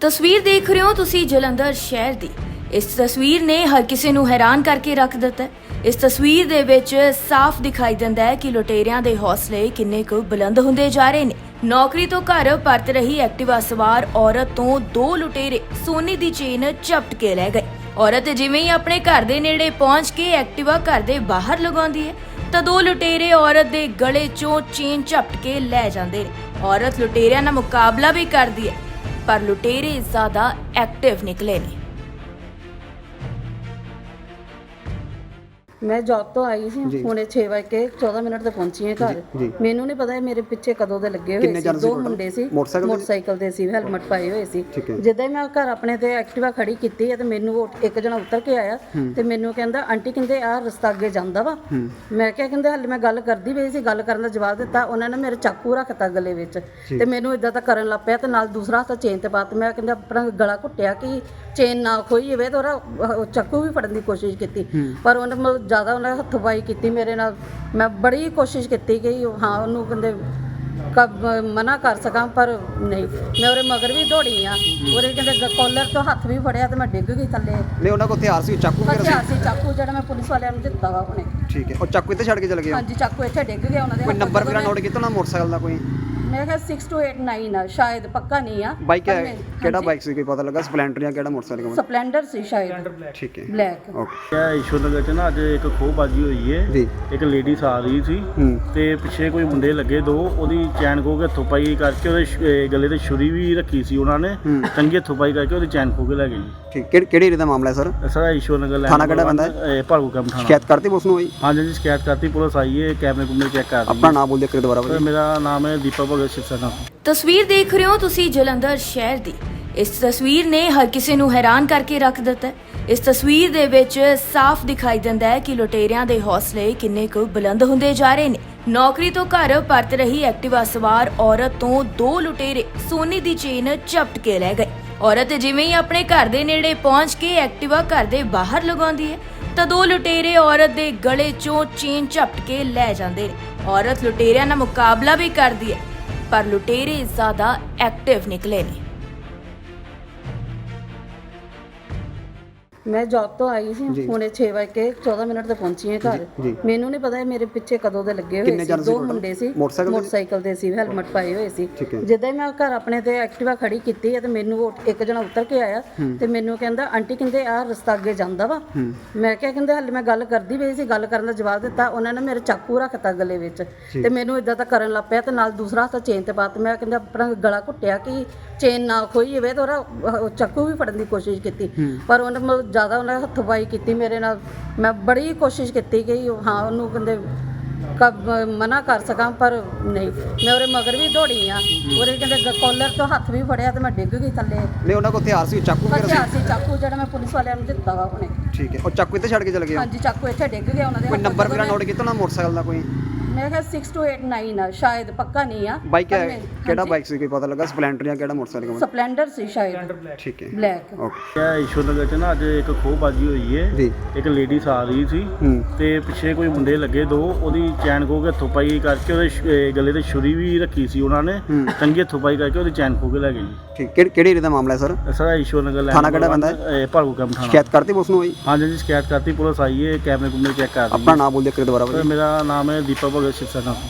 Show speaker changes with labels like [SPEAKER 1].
[SPEAKER 1] ਤਸਵੀਰ ਦੇਖ ਰਹੇ ਹੋ ਤੁਸੀਂ ਜਲੰਧਰ ਸ਼ਹਿਰ ਦੀ। ਇਸ ਤਸਵੀਰ ਨੇ ਹਰ ਕਿਸੇ ਨੂੰ ਹੈਰਾਨ ਕਰਕੇ ਰੱਖ ਦਿੱਤਾ ਹੈ। ਇਸ ਤਸਵੀਰ ਦੇ ਵਿੱਚ ਸਾਫ਼ ਦਿਖਾਈ ਦਿੰਦਾ ਹੈ ਕਿ ਲੁਟੇਰਿਆਂ ਦੇ ਹੌਸਲੇ ਕਿੰਨੇ ਕੁ ਬੁਲੰਦ ਹੁੰਦੇ ਜਾ ਰਹੇ ਨੇ। ਨੌਕਰੀ ਤੋਂ ਘਰ ਪਰਤ ਰਹੀ ਐਕਟਿਵਾ ਸਵਾਰ ਔਰਤ ਤੋਂ ਦੋ ਲੁਟੇਰੇ ਸੋਨੇ ਦੀ ਚੇਨ ਝਪਟ ਕੇ ਲੈ ਗਏ। ਔਰਤ ਜਿਵੇਂ ਹੀ ਆਪਣੇ ਘਰ ਦੇ ਨੇੜੇ ਪਹੁੰਚ ਕੇ ਐਕਟਿਵਾ ਘਰ ਦੇ ਬਾਹਰ ਲਗਾਉਂਦੀ ਹੈ ਤਾਂ ਦੋ ਲੁਟੇਰੇ ਔਰਤ ਦੇ ਗਲੇ 'ਚੋਂ ਚੇਨ ਝਪਟ ਕੇ ਲੈ ਜਾਂਦੇ ਨੇ। ਔਰਤ ਲੁਟੇਰਿਆਂ ਨਾਲ ਮੁਕਾਬਲਾ ਵੀ ਕਰਦੀ ਹੈ ਪਰ ਲੁਟੇਰੇ ਜ਼ਿਆਦਾ ਐਕਟਿਵ ਨਿਕਲੇ ਨੇ।
[SPEAKER 2] मैं जॉब तो आई सी हुणे 6 ਵਜੇ ਕੇ 14 ਮਿੰਟ ਤੇ ਪਹੁੰਚੀ ਹਾਂ ਘਰ। ਮੈਨੂੰ ਨਹੀਂ ਪਤਾ ਮੇਰੇ ਪਿੱਛੇ ਕਦੋਂ ਦੇ ਲੱਗੇ ਹੋਏ ਸੀ। ਦੋ ਮੁੰਡੇ ਸੀ ਮੋਟਰਸਾਈਕਲ ਤੇ ਸੀ, ਹੈਲਮਟ ਪਾਏ ਹੋਏ ਸੀ। ਜਿੱਦਾਂ ਹੀ ਮੈਂ ਘਰ ਆਪਣੇ ਤੇ ਐਕਟਿਵਾ ਖੜੀ ਕੀਤੀ ਹੈ ਤੇ ਮੈਨੂੰ ਉਹ ਇੱਕ ਜਣਾ ਉੱਤਰ ਕੇ ਆਇਆ ਤੇ ਮੈਨੂੰ ਕਹਿੰਦਾ ਆਂਟੀ ਕਹਿੰਦੇ ਆਹ ਰਸਤਾ ਅੱਗੇ ਜਾਂਦਾ ਵਾ। ਮੈਂ ਕਿਹਾ ਕਹਿੰਦੇ ਹਾਲੇ ਮੈਂ ਗੱਲ ਕਰਦੀ ਪਈ ਸੀ। ਗੱਲ ਕਰਨ ਦਾ ਜਵਾਬ ਦਿੱਤਾ ਉਹਨਾਂ ਨੇ। ਮੇਰੇ ਚਾਕੂ ਰੱਖਤਾ ਗਲੇ ਵਿੱਚ ਤੇ ਮੈਨੂੰ ਇਦਾਂ ਤਾਂ ਕਰਨ ਲੱਗ ਪਿਆ ਤੇ ਨਾਲ ਦੂਸਰਾ ਹੱਥ ਚੇਨ ਤੇ ਪਾ ਤੇ ਮੈਂ ਕਹਿੰਦਾ ਆਪਣਾ ਗਲਾ ਘੁੱਟਿਆ ਕਿ ਚੇਨ ਨਾ ਖੋਈ ਜਾਵੇ ਤੇ ਉਹਦਾ ਚਾਕੂ ਵੀ ਫੜਨ ਦੀ ਕੋਸ਼ਿਸ਼ ਕੀਤੀ ਪਰ ਉਹਨੇ ਮਤਲਬ ਜ਼ਿਆਦਾ ਉਹਨੇ ਹੱਥੋਂ-ਪਾਈ ਕੀਤੀ ਮੇਰੇ ਨਾਲ। ਮੈਂ ਬੜੀ ਕੋਸ਼ਿਸ਼ ਕੀਤੀ ਕਿ ਹਾਂ ਉਹਨੂੰ ਕਹਿੰਦੇ ਮਨਾ ਕਰ ਸਕਾਂ ਪਰ ਨਹੀਂ। ਮੈਂ ਉਹਦੇ ਮਗਰ ਵੀ ਦੌੜੀ ਆ। ਉਹਦੇ ਕਹਿੰਦੇ ਕੋਲਰ ਤੋਂ ਹੱਥ ਵੀ ਫੜਿਆ ਤੇ ਮੈਂ ਡਿੱਗ ਗਈ ਥੱਲੇ।
[SPEAKER 3] ਨਹੀਂ ਉਹਨਾਂ ਕੋਲ ਹਥਿਆਰ ਸੀ, ਚਾਕੂ ਵਗੈਰਾ ਸੀ?
[SPEAKER 2] ਹਥਿਆਰ ਸੀ, ਚਾਕੂ ਜਿਹੜਾ ਮੈਂ ਪੁਲਿਸ ਵਾਲਿਆਂ ਨੂੰ ਦਿੱਤਾ ਵਾ ਉਹਨੇ।
[SPEAKER 3] ਠੀਕ ਹੈ। ਉਹ ਚਾਕੂ ਇੱਥੇ ਛੱਡ ਕੇ ਚਲੇ ਗਏ?
[SPEAKER 2] ਹਾਂਜੀ, ਚਾਕੂ ਇੱਥੇ ਡਿੱਗ ਗਿਆ ਉਹਨਾਂ ਦੇ।
[SPEAKER 3] ਕੋਈ ਨੰਬਰ ਵਗੈਰਾ ਨੋਟ ਕੀਤਾ ਉਹਨਾਂ ਮੋਟਰਸਾਈਕਲ ਦਾ ਕੋਈ?
[SPEAKER 2] ਮੈਂ ਕਿਹਾ 6289 ਆ ਸ਼ਾਇਦ, ਪੱਕਾ ਨਹੀਂ ਆ।
[SPEAKER 3] ਬਾਈਕ ਹੈ ਕਿਹੜਾ ਬਾਈਕ ਸੀ ਕੋਈ ਪਤਾ ਲੱਗਾ? ਸਪਲੈਂਡਰ ਜਾਂ ਕਿਹੜਾ ਮੋਟਰਸਾਈਕਲ?
[SPEAKER 2] ਸਪਲੈਂਡਰ ਸੀ ਸ਼ਾਇਦ।
[SPEAKER 3] ਠੀਕ ਹੈ,
[SPEAKER 2] ਬਲੈਕ।
[SPEAKER 3] ਓਕੇ।
[SPEAKER 4] ਇਹ ਈਸ਼ਵਰਨਗਰ ਚ ਨਾ ਅੱਜ ਇੱਕ ਖੋਹਬਾਜੀ ਹੋਈ ਹੈ
[SPEAKER 3] ਜੀ।
[SPEAKER 4] ਇੱਕ ਲੇਡੀਜ਼ ਆ ਰਹੀ ਸੀ ਤੇ ਪਿੱਛੇ ਕੋਈ ਮੁੰਡੇ ਲੱਗੇ ਦੋ, ਉਹਦੀ ਚੈਨ ਖੋਹ ਕੇ ਹੱਥੋਂ ਪਾਈ ਕਰਕੇ ਉਹਦੇ ਗਲੇ ਤੇ ਛੁਰੀ ਵੀ ਰੱਖੀ ਸੀ ਉਹਨਾਂ ਨੇ, ਚੰਗੀ ਹੱਥੋਂ ਪਾਈ ਕਰਕੇ ਉਹਦੀ ਚੈਨ ਖੋਹ ਕੇ ਲੈ ਗਏ ਜੀ।
[SPEAKER 3] ਠੀਕ। ਕਿਹੜੀ ਏਰੀਆ ਦਾ ਮਾਮਲਾ ਹੈ ਸਰ?
[SPEAKER 4] ਸਰ ਈਸ਼ਵਰਨਗਰ
[SPEAKER 3] ਥਾਣਾ ਕਿਹੜਾ ਪੈਂਦਾ ਹੈ?
[SPEAKER 4] ਭਾਲੂ ਕੈਂਪ ਥਾਣਾ।
[SPEAKER 3] ਸ਼ਿਕਾਇਤ ਕਰਤੀ ਪੁਲਿਸ ਨੂੰ ਹੋਈ?
[SPEAKER 4] ਹਾਂਜੀ ਜੀ, ਸ਼ਿਕਾਇਤ ਕਰਤੀ, ਪੁਲਿਸ ਆਈ ਹੈ, ਕੈਮਰੇ ਕੁਮਰੇ ਚੈੱਕ ਕਰ ਰਹੀ ਹੈ।
[SPEAKER 3] ਆਪਣਾ ਨਾਮ ਬੋਲ ਦਿਓ ਕਿ ਦੁਬਾਰਾ
[SPEAKER 4] ਸਰ ਮੇਰਾ ਨਾਮ ਹੈ ਦੀਪਕ ਭਗਤ ਸਿਰਸਾ।
[SPEAKER 1] ਤਸਵੀਰ ਦੇਖ ਰਹੇ ਹੋ ਤੁਸੀਂ ਜਲੰਧਰ ਸ਼ਹਿਰ ਦੀ। ਇਸ ਤਸਵੀਰ ਨੇ ਹਰ ਕਿਸੇ ਨੂੰ ਹੈਰਾਨ ਕਰਕੇ ਰੱਖ ਦਿੱਤਾ ਹੈ। ਇਸ ਤਸਵੀਰ ਦੇ ਵਿੱਚ ਸਾਫ਼ ਦਿਖਾਈ ਦਿੰਦਾ ਹੈ ਕਿ ਲੁਟੇਰਿਆਂ ਦੇ ਹੌਸਲੇ ਕਿੰਨੇ ਕੁ ਬੁਲੰਦ ਹੁੰਦੇ ਜਾ ਰਹੇ ਨੇ। ਨੌਕਰੀ ਤੋਂ ਘਰ ਪਰਤ ਰਹੀ ਐਕਟਿਵਾ ਸਵਾਰ ਔਰਤ ਤੋਂ ਦੋ ਲੁਟੇਰੇ ਸੋਨੇ ਦੀ ਚੇਨ ਝਪਟ ਕੇ ਲੈ ਗਏ। ਔਰਤ ਜਿਵੇਂ ਹੀ ਆਪਣੇ ਘਰ ਦੇ ਨੇੜੇ ਪਹੁੰਚ ਕੇ ਐਕਟਿਵਾ ਘਰ ਦੇ ਬਾਹਰ ਲਗਾਉਂਦੀ ਹੈ ਤਾਂ ਦੋ ਲੁਟੇਰੇ ਔਰਤ ਦੇ ਗਲੇ 'ਚੋਂ ਚੇਨ ਝਪਟ ਕੇ ਲੈ ਜਾਂਦੇ ਨੇ। ਔਰਤ ਲੁਟੇਰਿਆਂ ਨਾਲ ਮੁਕਾਬਲਾ ਵੀ ਕਰਦੀ ਹੈ ਪਰ ਲੁਟੇਰੇ ਜ਼ਿਆਦਾ ਐਕਟਿਵ ਨਿਕਲੇ ਨੇ।
[SPEAKER 2] ਮੈਂ ਜੌਬ ਤੋਂ ਆਈ ਸੀ ਹੁਣੇ 6 ਵਜੇ ਕੇ 14 ਮਿੰਟ ਤੇ ਪਹੁੰਚੀ ਹਾਂ ਘਰ। ਮੈਨੂੰ ਨਹੀਂ ਪਤਾ ਮੇਰੇ ਪਿੱਛੇ ਕਦੋਂ ਦੇ ਲੱਗੇ ਹੋਏ ਸੀ। ਦੋ ਮੁੰਡੇ ਸੀ ਮੋਟਰਸਾਈਕਲ ਤੇ ਸੀ, ਹੈਲਮਟ ਪਾਏ ਹੋਏ ਸੀ। ਜਿੱਦਾਂ ਹੀ ਮੈਂ ਘਰ ਆਪਣੇ ਤੇ ਐਕਟਿਵਾ ਖੜੀ ਕੀਤੀ ਹੈ ਤੇ ਮੈਨੂੰ ਉਹ ਇੱਕ ਜਣਾ ਉੱਤਰ ਕੇ ਆਇਆ ਤੇ ਮੈਨੂੰ ਕਹਿੰਦਾ ਆਂਟੀ ਕਹਿੰਦੇ ਆਹ ਰਸਤਾ ਅੱਗੇ ਜਾਂਦਾ ਵਾ। ਮੈਂ ਕਿਹਾ ਕਹਿੰਦੇ ਹਾਲੇ ਮੈਂ ਗੱਲ ਕਰਦੀ ਪਈ ਸੀ। ਗੱਲ ਕਰਨ ਦਾ ਜਵਾਬ ਦਿੱਤਾ ਉਹਨਾਂ ਨੇ। ਮੇਰੇ ਚਾਕੂ ਰੱਖਤਾ ਗਲੇ ਵਿੱਚ ਤੇ ਮੈਨੂੰ ਇਦਾਂ ਤਾਂ ਕਰਨ ਲੱਗ ਪਿਆ ਤੇ ਨਾਲ ਦੂਸਰਾ ਹੱਥ ਚੇਨ ਤੇ ਪਾ ਤੇ ਮੈਂ ਕਹਿੰਦਾ ਆਪਣਾ ਗਲਾ ਘੁੱਟਿਆ ਕਿ ਚੇਨ ਨਾ ਖੋਈ ਜਾਵੇ ਤੇ ਉਹਦਾ ਚਾਕੂ ਵੀ ਫੜਨ ਦੀ ਕੋਸ਼ਿਸ਼ ਕੀਤੀ ਪਰ ਉਹਨੇ ਮਤਲਬ ਜ਼ਿਆਦਾ ਉਹਨੇ ਹੱਥੋਂ-ਪਾਈ ਕੀਤੀ ਮੇਰੇ ਨਾਲ। ਮੈਂ ਬੜੀ ਕੋਸ਼ਿਸ਼ ਕੀਤੀ ਕਿ ਹਾਂ ਉਹਨੂੰ ਕਹਿੰਦੇ ਮਨਾ ਕਰ ਸਕਾਂ ਪਰ ਨਹੀਂ। ਮੈਂ ਉਹਦੇ ਮਗਰ ਵੀ ਦੌੜੀ ਆ। ਉਹਦੇ ਕਹਿੰਦੇ ਕੋਲਰ ਤੋਂ ਹੱਥ ਵੀ ਫੜਿਆ ਤੇ ਮੈਂ ਡਿੱਗ ਗਈ ਥੱਲੇ।
[SPEAKER 3] ਨਹੀਂ ਉਹਨਾਂ ਕੋਲ ਹਥਿਆਰ ਸੀ, ਚਾਕੂ ਵਗੈਰਾ ਸੀ?
[SPEAKER 2] ਹਥਿਆਰ ਸੀ, ਚਾਕੂ ਜਿਹੜਾ ਮੈਂ ਪੁਲਿਸ ਵਾਲਿਆਂ ਨੂੰ ਦਿੱਤਾ ਵਾ ਉਹਨੇ।
[SPEAKER 3] ਠੀਕ ਹੈ। ਉਹ ਚਾਕੂ ਇੱਥੇ ਛੱਡ ਕੇ ਚਲੇ ਗਏ?
[SPEAKER 2] ਹਾਂਜੀ, ਚਾਕੂ ਇੱਥੇ ਡਿੱਗ ਗਿਆ ਉਹਨਾਂ ਦੇ।
[SPEAKER 3] ਕੋਈ ਨੰਬਰ ਵਗੈਰਾ ਨੋਟ ਕੀਤਾ ਉਹਨਾਂ ਮੋਟਰਸਾਈਕਲ ਦਾ ਕੋਈ?
[SPEAKER 2] ਮੈਂ ਕਿਹਾ 6289 ਆ ਸ਼ਾਇਦ, ਪੱਕਾ ਨਹੀਂ ਆ।
[SPEAKER 3] ਬਾਈਕ ਹੈ ਕਿਹੜਾ ਬਾਈਕ ਸੀ ਕੋਈ ਪਤਾ ਲੱਗਾ? ਸਪਲੈਂਡਰ ਜਾਂ ਕਿਹੜਾ ਮੋਟਰਸਾਈਕਲ?
[SPEAKER 2] ਸਪਲੈਂਡਰ ਸੀ ਸ਼ਾਇਦ।
[SPEAKER 3] ਠੀਕ ਹੈ,
[SPEAKER 2] ਬਲੈਕ।
[SPEAKER 3] ਓਕੇ।
[SPEAKER 4] ਇਹ ਈਸ਼ਵਰਨਗਰ ਚ ਨਾ ਅੱਜ ਇੱਕ ਖੋਹਬਾਜੀ ਹੋਈ ਹੈ ਇੱਕ ਲੇਡੀਜ਼ ਆ ਰਹੀ ਸੀ ਤੇ ਪਿੱਛੇ ਕੋਈ ਮੁੰਡੇ ਲੱਗੇ ਦੋ, ਉਹਦੀ ਚੈਨ ਖੋਹ ਕੇ ਹੱਥੋਂ ਪਾਈ ਕਰਕੇ ਉਹਦੇ ਗਲੇ ਤੇ ਛੁਰੀ ਵੀ ਰੱਖੀ ਸੀ ਉਹਨਾਂ ਨੇ, ਚੰਗੀ ਹੱਥੋਂ ਪਾਈ ਕਰਕੇ ਉਹਦੀ ਚੈਨ ਖੋਹ ਕੇ ਲੈ ਗਏ ਜੀ।
[SPEAKER 3] ਠੀਕ। ਕਿਹੜੀ ਏਰੀਆ ਦਾ ਮਾਮਲਾ ਹੈ ਸਰ?
[SPEAKER 4] ਸਰ ਈਸ਼ਵਰਨਗਰ
[SPEAKER 3] ਥਾਣਾ ਕਿਹੜਾ ਪੈਂਦਾ ਹੈ?
[SPEAKER 4] ਭਾਲੂ ਕੈਂਪ ਥਾਣਾ।
[SPEAKER 3] ਸ਼ਿਕਾਇਤ ਕਰਤੀ ਪੁਲਿਸ ਨੂੰ ਹੋਈ?
[SPEAKER 4] ਹਾਂਜੀ ਜੀ, ਸ਼ਿਕਾਇਤ ਕਰਤੀ, ਪੁਲਿਸ ਆਈ ਹੈ, ਕੈਮਰੇ ਕੁਮਰੇ ਚੈੱਕ ਕਰ ਰਹੀ ਹੈ।
[SPEAKER 3] ਆਪਣਾ ਨਾਮ ਬੋਲ ਦਿਓ ਕਿ ਦੁਬਾਰਾ?
[SPEAKER 4] ਮੇਰਾ ਨਾਮ ਹੈ ਦੀਪਕ ਭਗਤ ਸਿਰਸਾ।